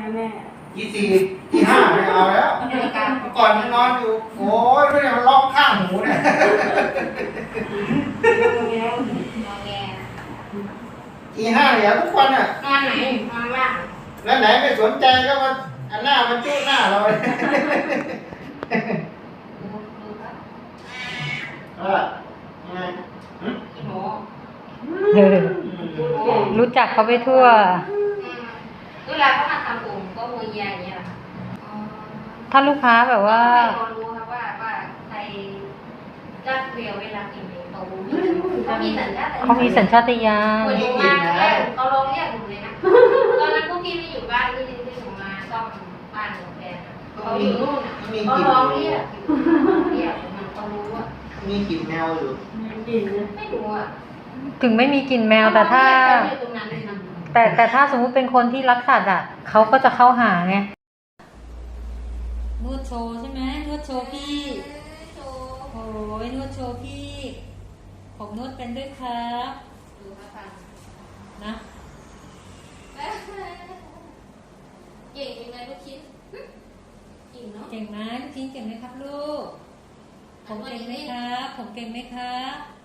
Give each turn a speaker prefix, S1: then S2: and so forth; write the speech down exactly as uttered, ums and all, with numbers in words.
S1: แม่
S2: ที่สี่ที่ห้าไม่เอาแล้วก่อนมันนอนอยู่โอ้ยไม่ได้มันร้องข้างหูเนี่ยที่ห้าเดี๋ยวทุกวันอ่ะ
S1: นอนไหนนอนล่าง
S2: แล้วไหนไม่สนใจก็มาอันหน้ามันจุ้หน้าเราเลยเออไง
S3: รู้จักเขาไปทั่ว
S1: เวลาเขามาทำผมก็มือเยียอย่างเงี้ย
S3: ถ้าลูกค้าแบบว่า
S1: เขารู้ครับว่าว่าใครรักเรียวเวลากินเองเขารู้เขามีสัญชาตญาณ
S3: เขามีสัญชาตญาณ
S1: อยู่มาแรกเขาลองเรียกผมเลยนะตอนนั้นพวกพี่ไม่อยู่บ้านที่ที่ผมมาซ่อมบ้านของแฟนเขาอยู่นู่นอ่ะเขาลองเรียกเรียกมันเขารู้ว่า
S2: มีกลิ่นแมวอยู่
S1: ไม่รู้อ่ะ
S3: ถึงไม่มีกลิ่นแมวแต่ถ้าแต่แต่ถ้าสมมุติเป็นคนที่รักสัตว์อ่ะเขาก็จะเข้าหาไงนวดโชว์ใช่ไหมนวดโชว์พี่โอ้ยนวดโชว์พี่ผมนวดเป็นด้วยครับ
S1: ดูครับ
S3: นะ
S1: เก่งยังไงลูกชิ้นเก่งเนาะ
S3: เก่งไหมลูกชิ้นเก่งไหมครับลูกผมเก่งไหมครับผมเก่งไหมครับ